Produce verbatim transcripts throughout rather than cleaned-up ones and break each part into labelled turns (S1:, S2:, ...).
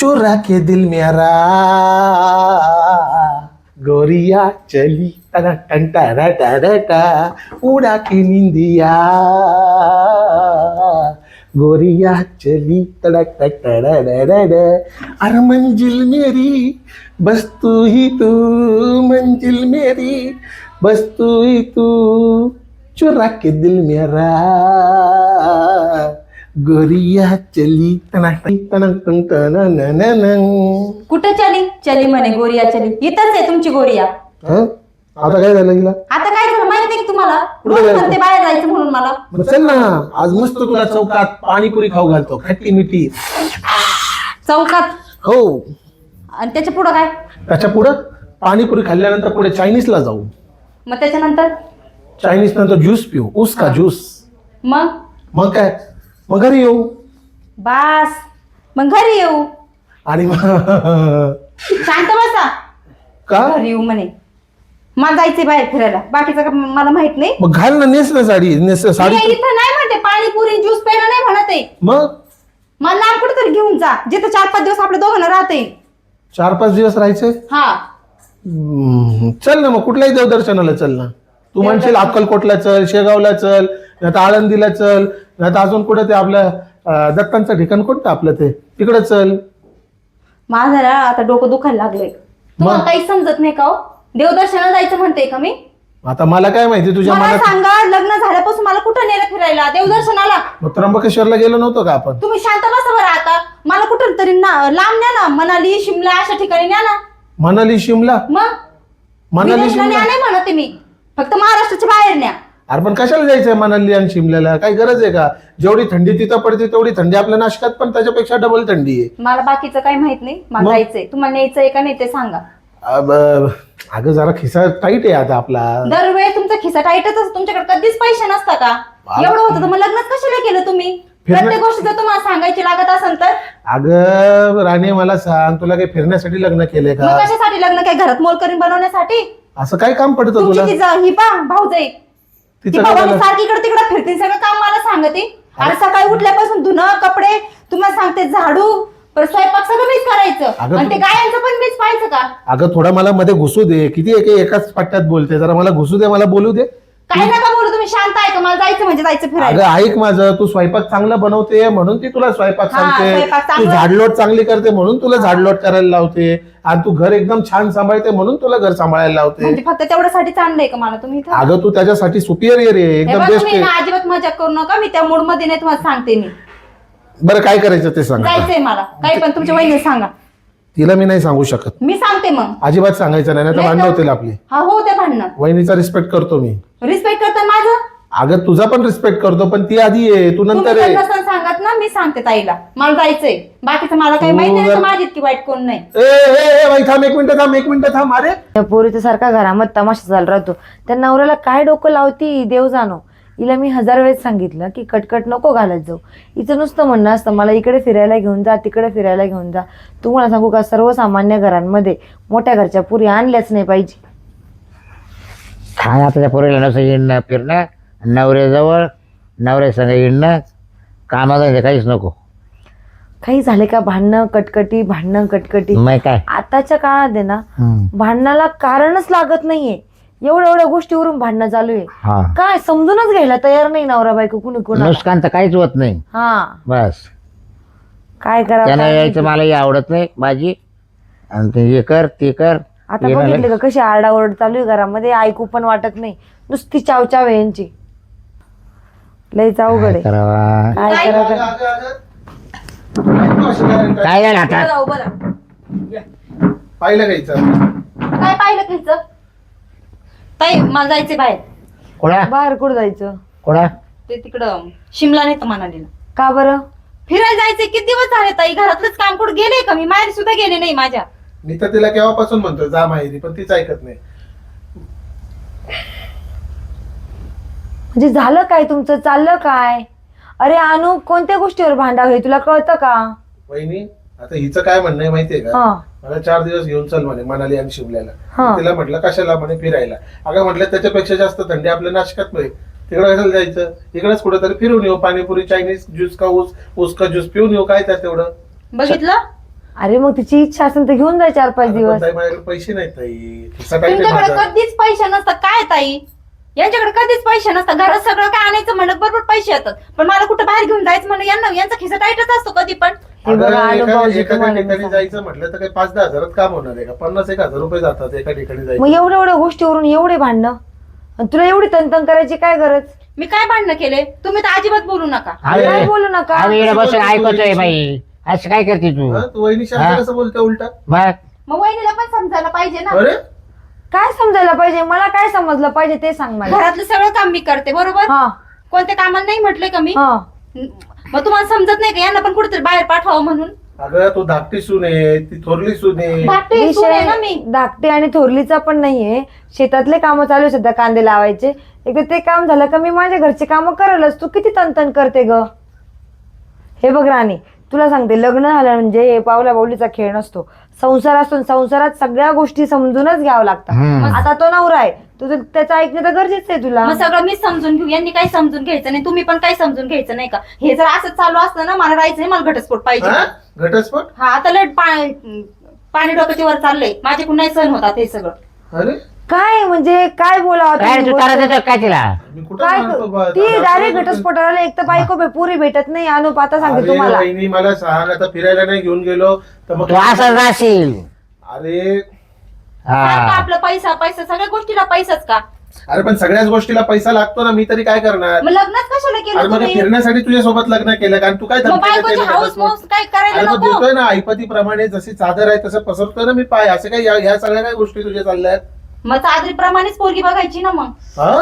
S1: चुरा के दिल मेरा गोरिया चली टा टा टा टा उड़ा के निंदिया गोरिया चली तड़क टक अरे मंजिल मेरी बस तू ही तू मंजिल मेरी बस तू ही तू चुरा के दिल मेरा गोरिया चली तनक तनक तनक तनक.
S2: कुठं चली चली म्हणे गोरिया चली. इथंच आहे तुमची गोरिया.
S1: आता काय झालं गेला
S2: आता काय झालं माहिती की तुम्हाला?
S1: कुठं जायचं?
S2: म्हणते बाहेर जायचं म्हणून मला.
S1: चल ना आज मस्त तुला चौकात पाणीपुरी खाऊ घालतो खट्टी मिठी.
S2: चौकात?
S1: हो.
S2: आणि त्याच्या पुढं काय?
S1: त्याच्या पुढं पाणीपुरी खाल्ल्यानंतर पुढे चायनीजला जाऊ.
S2: मग त्याच्यानंतर?
S1: चायनीज नंतर ज्यूस पिऊ. उसका ज्यूस.
S2: मग
S1: मग काय मग घरी येऊ.
S2: बास मग घरी येऊ.
S1: आणि मग
S2: शांत बसा.
S1: का
S2: घरी येऊ म्हणे. मला जायचंय बाहेर फिरायला. बाकीचं का मला माहित नाही.
S1: मग घाल ना नेस ना साडी नेस साडी.
S2: मी इथं नाही म्हणते पाणीपुरी ज्यूस प्यायला नाही म्हणत आहे.
S1: मग
S2: मला लांब कुठेतरी घेऊन जा जिथं चार पाच दिवस आपल्या दोघांना राहते.
S1: चार पाच दिवस राहायचे.
S2: हा
S1: हम्म, चल ना मग कुठल्याही देवदर्शनाला चल ना. तू म्हणशील अक्कलकोटला चल शेगावला चल नाही आळंदीला चल नाही अजून कुठे ते आपल्या अं, दत्तांचं ठिकाण कोणतं आपलं ते तिकडे चल.
S2: माझं ना आता डोकं दुखायला लागलंय. तुम्हाला
S1: मग?
S2: काही समजत नाही का हो? देवदर्शनाला जायचं म्हणते का मी?
S1: आता मला काय माहिती तुझ्या
S2: मला
S1: मनात.
S2: सांगा लग्न झाल्यापासून मला कुठं नेलं फिरायला देवदर्शनाला?
S1: मग त्र्यंबकेश्वरला गेलो नव्हतो का आपण?
S2: तुम्ही शांत बसा बरं आता. मला कुठं तरी ना लांब न्या ना. मनाली शिमला अशा ठिकाणी न्या ना.
S1: मनाली शिमला.
S2: मग
S1: मनाली
S2: विदेशला न्या
S1: शिमला
S2: नाही म्हणते मी. फक्त महाराष्ट्राच्या बाहेर न्या.
S1: अरे पण कशाला जायचंय मनाली आणि शिमल्याला? काही गरज आहे का? जेवढी थंडी तिथं पडते तेवढी थंडी आपल्या नाशकात पण त्याच्यापेक्षा डबल थंडी आहे.
S2: मला बाकीचं काही माहित नाही. मला
S1: मग?
S2: जायचंय. तुम्हाला न्यायचंय का नाही ते सांगा.
S1: अब, अगं जरा खिसा टाईट आहे आता आपला.
S2: दरवेळी तुमचा खिसा टाईटच असतो. तुमच्याकडे कधीच पैसे नसता का? एवढं होतं तर मग लग्नच कशाला केलं तुम्ही?
S1: फिरणं-
S2: प्रत्येक गोष्ट जर तुम्हाला सांगायची लागत असेल तर
S1: अगं राणे मला सांग तुला काही फिरण्यासाठी लग्न केलंय
S2: मग
S1: का?
S2: कशासाठी लग्न? काय घरात मोलकरीण बनवण्यासाठी?
S1: असं काय काम पडतं
S2: तुमची
S1: तुला?
S2: ती जा- ही पा भाऊजाई ती
S1: तिचं काय
S2: भावानी
S1: झालं?
S2: सारखी इकडे तिकडे फिरते. सगळं काम मला सांगते. आणि सकाळी उठल्यापासून धुणं कपडे तुम्हाला सांगते झाडू परत स्वयंपाक सगळं मीच करायचं.
S1: अगं
S2: आणि ते
S1: तू-
S2: गायांचं पण मीच पाहायचं का?
S1: अगं थोडा मला मध्ये घुसू दे. किती एके एकाच पट्ट्यात बोलते जरा मला घुसू दे मला बोलू दे.
S2: काय नका बोलू तुम्ही. शांत आहे का? मला जायचं म्हणजे जायचं
S1: अगं
S2: फिरायला.
S1: ऐक माझं तू स्वयंपाक चांगला बनवते म्हणून ती तुला स्वयंपाक
S2: हा,
S1: सांगते.
S2: स्वयंपाक
S1: तू
S2: चांगला-
S1: झाडलोट चांगली करते म्हणून तुला झाडलोट करायला लावते. आणि तू घर एकदम छान सांभाळते म्हणून तुला घर सांभाळायला लावते.
S2: म्हणजे फक्त तेवढ्यासाठीच आणलंय का मला तुम्ही इथं?
S1: अगं तू त्याच्यासाठी सुपिरियर आहे
S2: हे
S1: एकदम
S2: बघा,
S1: बेस्ट
S2: तुम्ही
S1: आहे.
S2: ना अजिबात मजा करू नका. मी त्या मूड मध्ये नाही तुम्हाला सांगते. मी
S1: बरं काय करायचं ते सांग आता.
S2: जायचंय मला. काही पण तुमच्या वहिनी सांगा.
S1: तिला मी नाही सांगू शकत.
S2: मी सांगते मग.
S1: अजिबात सांगायचं नाही तर
S2: नाही
S1: भांडण
S2: तर-
S1: होतील आपली.
S2: हा हो ते भांडणं.
S1: वहिनीचा रिस्पेक्ट करतो मी.
S2: रिस्पेक्ट करता माझं.
S1: अगं तुझा पण रिस्पेक्ट करतो पण ती आधी आहे तू
S2: तुम्ही
S1: नंतर
S2: जर
S1: आहे.
S2: नसेल सांगत ना मी सांगते ताईला. मला जायचंय. बाकीचं मला काही
S1: तू
S2: माहिती नाही.
S1: जर-
S2: तर माझी इतकी वाईट कोण नाही.
S1: ए ए ए, बाई थांब एक मिनिट थांब एक मिनिट थांब. अरे
S3: त्या पोरीच्या सारखा घरामध्ये तमाशा चालू राहतो. त्या नवऱ्याला काय डोकं लावती देव जाणो. हिला मी हजार वेळेस सांगितलं की कटकट नको घालत जाऊ. हिचं नुसतं म्हणणं असतं मला इकडे फिरायला घेऊन जा तिकडे फिरायला घेऊन जा. तुम्हाला सांगू का सर्वसामान्य घरांमध्ये मोठ्या घरच्या पुरी आणल्याच नाही पाहिजे.
S4: काय आता त्या पोरीला नसं येणं फिरणं नवऱ्याजवळ नवऱ्या संग येणं कामाचं काहीच नको.
S3: काही झाले का भांडणं कटकटी भांडणं कटकटी.
S4: मग काय
S3: आताच्या काळात आहे ना
S4: हम्म.
S3: भांडणाला कारणच लागत नाहीये. एवढ्या एवढ्या गोष्टीवरून भांडणं चालू आहे.
S4: हा
S3: काय समजूनच घ्यायला तयार नाही नवरा बायको कुणी कुणा.
S4: नुकसान तर काहीच होत नाही.
S3: हा
S4: बस
S3: काय
S4: त्यानं
S3: करा.
S4: यायचं मलाही आवडत नाही भाजी आणि ते हे कर ते कर
S3: आता
S4: हे
S3: बघितले
S4: मला-
S3: का कशी आरडाओरड चालू आहे घरामध्ये. ऐकू पण वाटत नाही. नुसती चावचाव आहे यांची. लयच अवघड
S4: काय
S3: आहे.
S4: करावा
S3: काय
S2: काय
S3: करा
S4: काय झालं आता
S2: जाऊ बरं.
S1: पाहिलं घ्यायचं.
S2: काय पाहिलं तुमचं? ताई मला जायचंय बाहेर.
S4: कोणा
S3: बाहेर कुठं जायचं?
S4: कोणा
S2: ते तिकडं शिमला नाही तर मनालीला
S3: का बरं?
S2: फिरायला जायचंय. किती दिवस झाले ताई? घरातलंच काम कुठं गेले का? मी माहेर सुद्धा गेले नाही माझ्या.
S1: मी तर तिला केव्हापासून म्हणतो जा माहेरी पण तीच ऐकत नाही.
S3: म्हणजे झालं काय तुमचं? चाललं काय? अरे अनु कोणत्या गोष्टीवर भांडावं हे तुला कळतं का?
S1: वहिनी आता हिचं काय म्हणणं आहे माहितीये का?
S3: हा
S1: मला चार दिवस घेऊन चल म्हणे मनाली आणि शिमल्याला.
S3: हा.
S1: तिला म्हटलं कशाला म्हणे फिरायला. अगं म्हटलं त्याच्यापेक्षा जास्त थंडी आपल्या नाशकात नाही. तिकडे कशाला जायचं? इकडेच कुठेतरी फिरून येऊ. पाणीपुरी चायनीज ज्यूस का ऊस ऊस का ज्यूस पिऊन येऊ. काय त्यात तेवढं?
S2: बघितलं
S3: अरे मग तिची इच्छा असेल तर घेऊन जाय चार पाच
S1: अरे पण
S3: दिवस.
S1: ताई, माझ्याकडे पैसे नाहीत ताई. खिस्सा टाईट आहे
S2: तुमच्याकडे
S1: माझा.
S2: कधीच पैसे नसतात काय ताई, यांच्याकडे कधीच पैसे नसतात. घरात सगळं काय आणायचं म्हणलं बरोबर पैसे येतात, पण मला कुठं बाहेर घेऊन जायचं म्हणलं यांना यांचा खिसा टाईटच असतो कधी पण.
S3: हे बघा,
S1: अगं,
S3: आलो
S1: एका-
S3: भाऊजी
S1: एखाद्या
S3: तुम्हाला मी
S1: ठिकाणी
S3: सांगते.
S1: जायचं म्हटलं तर काही पाच दहा हजारात काम होणार आहे का? पन्नास एक हजार रुपये जातात एका ठिकाणी
S3: मग
S1: जायचं.
S3: एवढ्या एवढ्या गोष्टीवरून एवढे भांडणं, आणि तुला एवढी तनतन करायची काय गरज?
S2: मी काय भांडणं केले? तुम्ही तर अजिबात बोलू नका.
S4: अरे
S3: काय बोलू नका.
S4: आम्ही इकडे बसून
S1: बोलतो
S4: ऐकतोय
S1: तू?
S4: बाई, असं काय करते तू?
S1: हा, तू वहिनी
S4: हा?
S1: शांत कसं बोलते उलटा?
S4: मग
S2: मग वहिनीला पण समजायला पाहिजे ना.
S1: अरे
S3: काय समजायला पाहिजे? मला काय समजलं पाहिजे ते सांग मला.
S2: घरातलं सगळं काम मी करते बरोबर.
S3: हा
S2: कोणत्या कामाला नाही म्हटले का मी?
S3: हा
S2: मग तुम्हाला समजत नाही का यांना पण कुठेतरी बाहेर पाठवावं म्हणून?
S1: अगं तू धाकटी सून आहे, ती थोरली सून आहे.
S2: धाकटी सून आहे ना मी.
S3: विषय धाकटे आणि थोरलीचा पण नाहीये. शेतातले काम चालू आहे सध्या, कांदे लावायचे. एकदा ते काम झालं का मी माझ्या घरचे काम करलच. तू किती तनतन करते ग? हे बघ राणी, तुला सांगते, लग्न झालं म्हणजे पावला बावलीचा खेळ नसतो. संसार असतो, संसारात सगळ्या गोष्टी समजूनच घ्यावं लागतात.
S4: हम्म.
S3: आता तो नवरा आहे, तुझं त्याचं ऐकणं तर गरजेचं आहे तुला.
S2: मग सगळं मी समजून घेऊ, यांनी काही समजून घ्यायचं नाही, तुम्ही पण काही समजून घ्यायचं नाही का? हे जर असं चालू असतं ना, मला राहायचं नाही, मला घटस्फोट पाहिजे.
S1: हा? घटस्फोट?
S2: हा आता लट पाणी पाणी डोक्याच्या वर चाललंय, माझ्याकडून नाही सहन होतात हे सगळं.
S1: अरे
S3: काय म्हणजे काय बोलावं
S4: काय रे,
S3: तुम्ही
S4: तू
S3: गोष्ट?
S4: तारा देतो काय तिला?
S1: मी कुठं
S3: काय
S1: म्हणतो बा-
S3: ती
S1: दादा,
S3: डायरेक्ट
S1: दादा,
S3: घटस्फोटाला एक तर बायको बे- पुरी भेटत नाही. अनुप आता सांगते
S1: अरे
S3: तुम्हाला.
S1: वहिनी मला सांग, आता फिरायला नाही घेऊन गेलो तर मग
S4: तू असं जाशील.
S1: अरे
S2: सारखं
S4: हा
S2: आपलं पैसा पैसा, सगळ्या गोष्टीला पैसाच का?
S1: अरे पण सगळ्याच गोष्टीला पैसा लागतो ना, मी तरी काय करणार?
S2: मग लग्नच कशाला
S1: अरे
S2: केलं
S1: मग
S2: तुम्ही?
S1: फिरण्यासाठी तुझ्या सोबत लग्न केलं कारण तू काय
S2: मग
S1: धमकी देते
S2: बायकोची
S1: मी
S2: हाऊस
S1: घटस्फोट?
S2: माऊस काय करायला
S1: अरे मग
S2: नको?
S1: देतोय ना ऐपतीप्रमाणे, जशी चादर आहे तसं पसरतोय ना मी पाय. असे काय या या सगळ्या काय गोष्टी तुझ्या चालल्यात?
S2: मग चादरीप्रमाणेच पोरगी बघायची ना मग.
S1: हा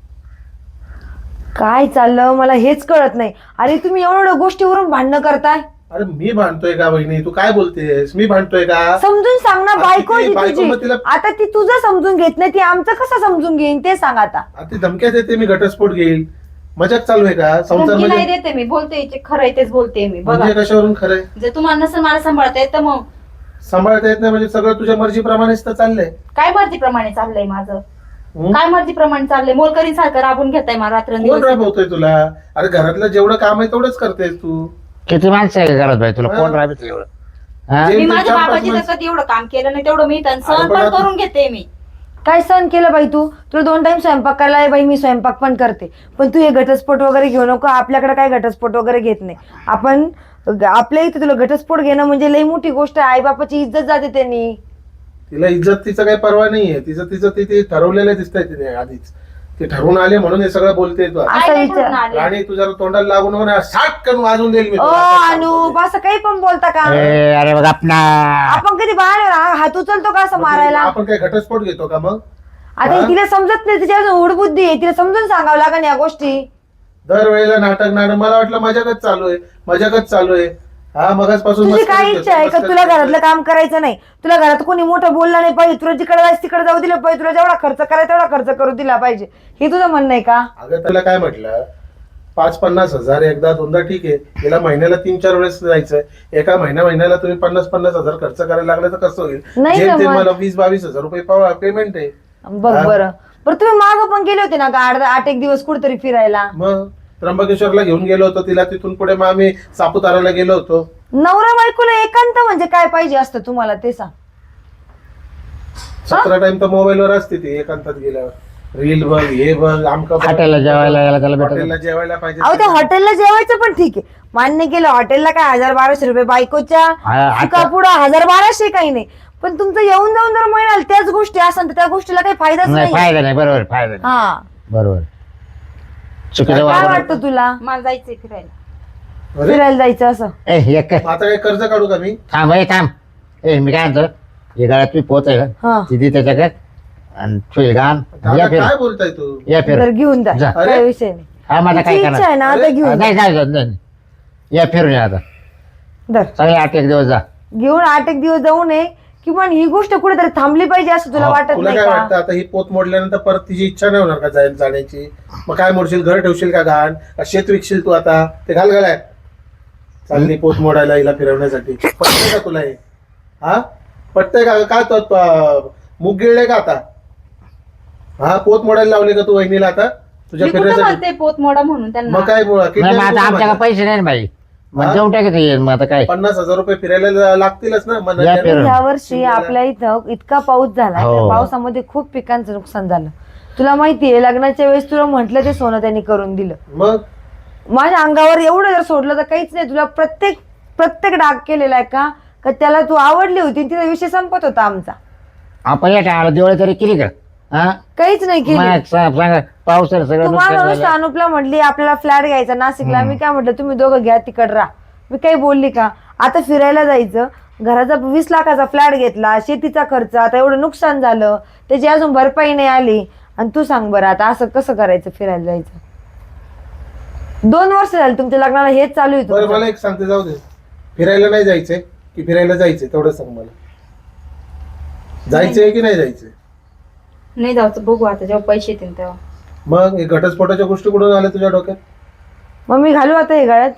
S3: काय चाललं मला हेच कळत नाही. अरे तुम्ही एवढ्या गोष्टीवरून भांडणं करताय.
S1: अरे मी भांडतोय का वहिनी? तू काय बोलतेस? मी भांडतोय का?
S3: समजून सांग ना.
S1: आता
S3: बायको
S1: ती
S3: आहे ती
S1: बायको मग
S3: तुझी.
S1: तिला-
S3: आता ती तुझं समजून घेत नाही, ती आमचं कसं समजून घेईन ते सांग आता.
S1: आता ती धमक्या देते मी घटस्फोट घेईल. मजाक चालू आहे का? संसार
S2: धमकी नाही
S1: म्हणजे
S2: देते मी, बोलते जे खरं आहे तेच बोलते मी. बघा
S1: म्हणजे कशावरून खरंय?
S2: जर तुम्हाला नसेल मला सांभाळता येत तर मग
S1: सांभाळता येत नाही म्हणजे सगळं तुझ्या मर्जीप्रमाणेच तर चाललंय.
S2: काय मर्जीप्रमाणे चाललंय माझं?
S1: हं?
S2: काय मर्जीप्रमाणे चाललंय? मोलकरी सारखं राबून घेताय मला
S1: कोण
S2: रात्रंदिवस.
S1: राबवतोय तुला? अरे घरातलं जेवढं काम आहे तेवढंच करतेस तू.
S4: किती माणसं आहे घरात बाई, तुला
S1: हा.
S4: कोण राहत एवढं? हा?
S1: जे-
S2: मी
S1: ते
S2: माझ्या
S1: चार पाच
S2: बाबाची तर
S1: माणसं-
S2: कधी एवढं काम केलं नाही, तेवढं मी सहन
S1: अरे पण
S2: पण
S1: आता-
S2: करून घेते मी.
S3: काय सहन केलं बाई तू? तुला दोन टाइम स्वयंपाक करायला आहे बाई, मी स्वयंपाक पण करते. पण तू हे घटस्फोट वगैरे घेऊ नको. आपल्याकडे काय घटस्फोट वगैरे घेत नाही आपण. आपल्या इथे तुला घटस्फोट घेणं म्हणजे लई मोठी गोष्ट आहे. आई बापाची इज्जत जाते त्यांनी.
S1: तिला इज्जत तिचं काही परवा नाहीये. तिचं तिचं ती ते ठरवलेलं दिसतंय तिने आधीच. ते ठरवून आले म्हणून हे सगळं बोलते तू आता.
S2: काय
S3: असा
S2: नाही
S3: विचार-
S2: ठरवून आले.
S1: आणि तू जरा तोंडाला लागून नको ना, साठ करून वाजून देईल मी
S3: ओ
S1: तुला. आता सांगतो
S3: अनुप,
S1: ते.
S3: असं काही पण बोलता का?
S4: ए, अरे बघ आपणा.
S3: आपण कधी बाहेर हात उचलतो का असं
S1: मग
S3: मारायला?
S1: आपण काय घटस्फोट घेतो का मग?
S3: आता
S1: हा?
S3: तिला समजत नाही, तिच्या अजून उडबुद्धी आहे. तिला समजून सांगावं लागेल या गोष्टी.
S1: दरवेळेला नाटक नाटक मला वाटलं मजाकच चालू आहे, मजाकच चालू आहे. हा मगाचपासून
S3: तुझी
S1: मस्करीच
S3: काय
S1: करतो,
S3: इच्छा आहे का
S1: मस्करीच
S3: तुला
S1: करतो.
S3: घरातलं काम करायचं नाही? तुला घरात कोणी मोठं बोलला नाही पाहिजे? तुला जिकडे जायचं तिकडे जाऊ दिलं पाहिजे? तुला जेवढा खर्च करायचा तेवढा खर्च करू दिला पाहिजे? हे तुझं म्हणणं आहे का?
S1: अगं त्याला काय म्हटलं, पाच पन्नास हजार एकदा दोनदा ठीक आहे. गेला महिन्याला तीन चार वेळेस जायचंय. एका महिन्या महिन्याला तुम्ही पन्नास पन्नास हजार खर्च करायला लागले तर कसं होईल?
S3: नाही
S1: जेम तेम
S3: जमत.
S1: मला वीस बावीस हजार रुपये पेमेंट आहे.
S3: बघ
S1: हा?
S3: बरं बरं तुम्ही मागं पण गेले होते ना का आठ आठ एक दिवस कुठेतरी फिरायला?
S1: मग त्र्यंबकेश्वरला घेऊन गेलो होतो तिला. तिथून पुढे मग आम्ही सापुताराला गेलो होतो.
S3: नवरा बायकोला एकांत म्हणजे काय पाहिजे असतं तुम्हाला ते सांग.
S1: सतरा टाइम तर मोबाईलवर असते ती एकांतात गेल्यावर. रील बघ, हे बघ, आमका बघ.
S4: हॉटेलला जेवायला यायला त्याला भेटत
S1: हॉटेलला जेवायला पाहिजे.
S3: अहो त्या हॉटेलला जेवायचं पण ठीक आहे, मान्य केलं. हॉटेलला काय हजार बाराशे रुपये बायकोच्या
S4: हा, आता-
S3: पुढे हजार बाराशे काही नाही. पण तुमचं येऊन जाऊन जर म्हणाल त्याच गोष्टी असेल तर त्या गोष्टीला काही फायदाच
S4: नाही.
S3: नाही.
S4: फायदा नाही, बरोबर फायदा नाही.
S3: हा
S4: बरोबर. चुकीचं
S3: काय
S4: वापर.
S3: वाटतं तुला
S2: मला जायचंय फिरायला.
S1: अरे,
S3: फिरायला जायचं असं?
S4: ए एक काय
S1: आता काय कर्ज काढू का मी?
S4: थांब ए थांब. ए मी काय म्हणतो, हे गाळ्यात तुम्ही पोच आहे का
S3: हा
S4: तिथे त्याच्याकडे आणि ठेवील घाण या
S1: आता
S4: फिर
S1: काय बोलताय तू?
S4: या फिर
S3: तर घेऊन जा,
S4: जा.
S3: काय विषय नाही.
S4: हा माझा काय
S3: तिची इच्छा आहे ना आता
S1: अरे,
S3: घेऊन जा.
S4: नाही नाही नाही, नाही. या फिरून या आता
S3: धर.
S4: सगळे आठ एक दिवस जा.
S3: घेऊन आठ एक दिवस जाऊ नये किंवा ही गोष्ट कुठेतरी थांबली पाहिजे असं तुला
S4: हा,
S3: वाटत
S1: तुला
S3: नाही
S1: काय
S3: का?
S1: वाटतं आता ही पोत मोडल्यानंतर परत तिची इच्छा नाही होणार का जाय- जाण्याची? मग काय मोडशील? घर ठेवशील का घाण? का शेत विकशील तू आता? ते घाल घालाय चालली पोत मोडायला हिला फिरवण्यासाठी. पटतंय का तुला हे? हा पटतंय का? काय तो तो- मुग गिळले का आता? हा पोत मोडायला लावले का तू वहिनीला आता तुझ्या
S2: मी कुठं
S1: फिरण्यासाठी?
S2: म्हणते पोत मोडा म्हणून त्यांना.
S1: मग काय बोला
S4: नाही मग आता आमच्याकडे पैसे नाही ना बाई. मग देऊन टाकायचं येईल मग आता काय.
S1: पन्नास हजार रुपये फिरायला लागतीलच ना मग
S4: या
S1: नंतर.
S4: फिरून.
S3: या वर्षी आपल्या इथं इतका पाऊस झाला
S4: हो.
S3: त्या पावसामध्ये खूप पिकांचं नुकसान झालं. तुला माहितीये लग्नाच्या वेळेस तुला म्हटलं ते सोनं त्यांनी करून दिलं.
S1: मग
S3: माझ्या अंगावर एवढं जर सोडलं तर काहीच नाही. तुला प्रत्येक प्रत्येक डाग केलेला आहे का का त्याला तू आवडली होती तिचा विषय संपत होता आमचा.
S4: आपण या टाळाला दिवाळी तरी केली का? हा
S3: काहीच नाही केली.
S4: मग सा- सांगा पावसानं सगळं
S3: तुम्हाला
S4: नुकसान
S3: नुसतं
S4: झालं.
S3: अनुपला म्हटली आपल्याला फ्लॅट घ्यायचा नाशिकला. मी काय म्हटलं तुम्ही दोघं घ्या तिकड राहा. मी काही बोलली का? आता फिरायला जायचं, घराचा वीस लाखाचा फ्लॅट घेतला, शेतीचा खर्च, आता एवढं नुकसान झालं, त्याची अजून भरपाई नाही आली. आणि तू सांग बरं आता असं कसं करायचं फिरायला जायचं? दोन वर्ष झाली तुमच्या लग्नाला हेच चालू आहे
S1: बरं
S3: तुमचं.
S1: मला एक सांगते, जाऊ दे, फिरायला नाही जायचंय की फिरायला जायचंय तेवढं सांग मला. जायचंय की नाही जायचंय?
S2: नाही जायचं, बघू आता जेव्हा पैसे येतील तेव्हा.
S1: मग हे घटस्फोटाच्या गोष्टी कुठून आल्या तुझ्या डोक्यात?
S3: मग मी घालू आता हे गळ्यात?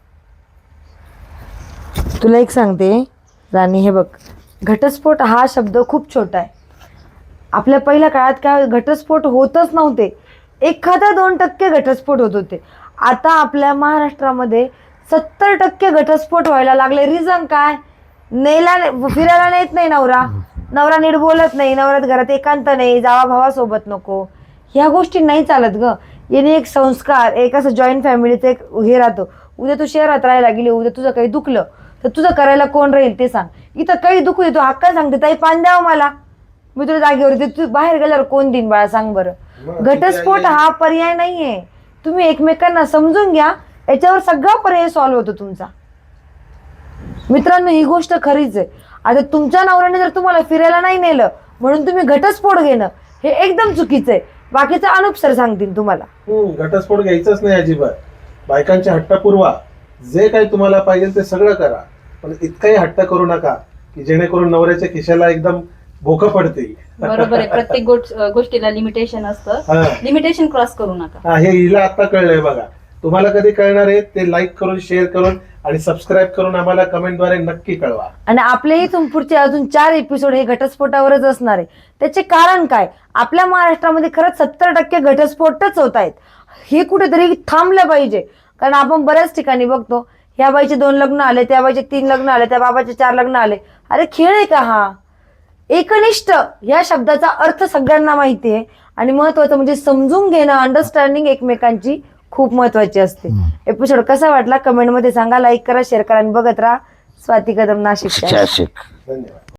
S3: तुला एक सांगते राणी, हे बघ, घटस्फोट हा शब्द खूप छोटा आहे. आपल्या पहिल्या काळात काय घटस्फोट होतच नव्हते. एखादा दोन टक्के घटस्फोट होत होते. आता आपल्या महाराष्ट्रामध्ये सत्तर टक्के घटस्फोट व्हायला लागले. रिझन काय? नेला फिरायला नेत नाही नवरा, नवरा नीट बोलत नाही, नवऱ्यात घरात एकांत नाही, जावा भावासोबत नको, ह्या गोष्टी नाही चालत ग. याने एक संस्कार, एक असं जॉईंट फॅमिलीचं एक हे राहतो. उद्या तू शहरात राहायला गेली, उद्या तुझं काही दुखलं तर तुझं करायला कोण राहील ते सांग. इथं काही दुखू येतो हक्का सांगते ताई पान द्यावं मला, मी तुला जागेवर येते, तू बाहेर गेल्यावर कोण देईन बाळा सांग बरं. घटस्फोट हा पर्याय नाहीये. तुम्ही एकमेकांना समजून घ्या, याच्यावर सगळा पर्याय सॉल्व्ह होतो तुमचा. मित्रांनो ही गोष्ट खरीच आहे. आता तुमच्या नवऱ्याने जर तुम्हाला फिरायला नाही नेलं म्हणून तुम्ही घटस्फोट घेणं हे एकदम चुकीचं आहे. बाकीचं अनुप सर सांगतील तुम्हाला.
S1: हम्म, घटस्फोट घ्यायचाच नाही अजिबात. बायकांचे हट्ट पुरवा, जे काही तुम्हाला पाहिजे ते सगळं करा, पण इतकाही हट्ट करू नका की जेणेकरून नवऱ्याच्या खिशाला एकदम भोकं पडतील.
S2: बरोबर आहे, प्रत्येक गोष्ट- गोष्टीला लिमिटेशन असतं.
S1: हा.
S2: लिमिटेशन क्रॉस करू नका.
S1: हा, हे हिला आता कळलंय बघा. तुम्हाला कधी कळणार आहे ते लाईक करून, शेअर करून आणि सबस्क्राईब करून आम्हाला कमेंटद्वारे नक्की कळवा.
S3: आणि आपले इथून पुढचे अजून चार एपिसोड हे घटस्फोटावरच असणार आहे. त्याचे कारण काय? आपल्या महाराष्ट्रामध्ये खरंच सत्तर टक्के घटस्फोटच होत आहेत. हे कुठेतरी थांबलं पाहिजे. कारण आपण बऱ्याच ठिकाणी बघतो, ह्या बाईचे दोन लग्न आले, त्या बाईचे तीन लग्न आले, त्या बाबाचे चार लग्न आले. अरे खेळ आहे का हा? एकनिष्ठ या शब्दाचा अर्थ सगळ्यांना माहिती आहे. आणि महत्वाचं म्हणजे समजून घेणं, अंडरस्टँडिंग एकमेकांची खूप महत्वाची असते. एपिसोड कसा वाटला कमेंटमध्ये सांगा, लाईक करा, शेअर करा आणि बघत राहा स्वाती कदम नाशिक.
S4: नाशिक.
S1: धन्यवाद.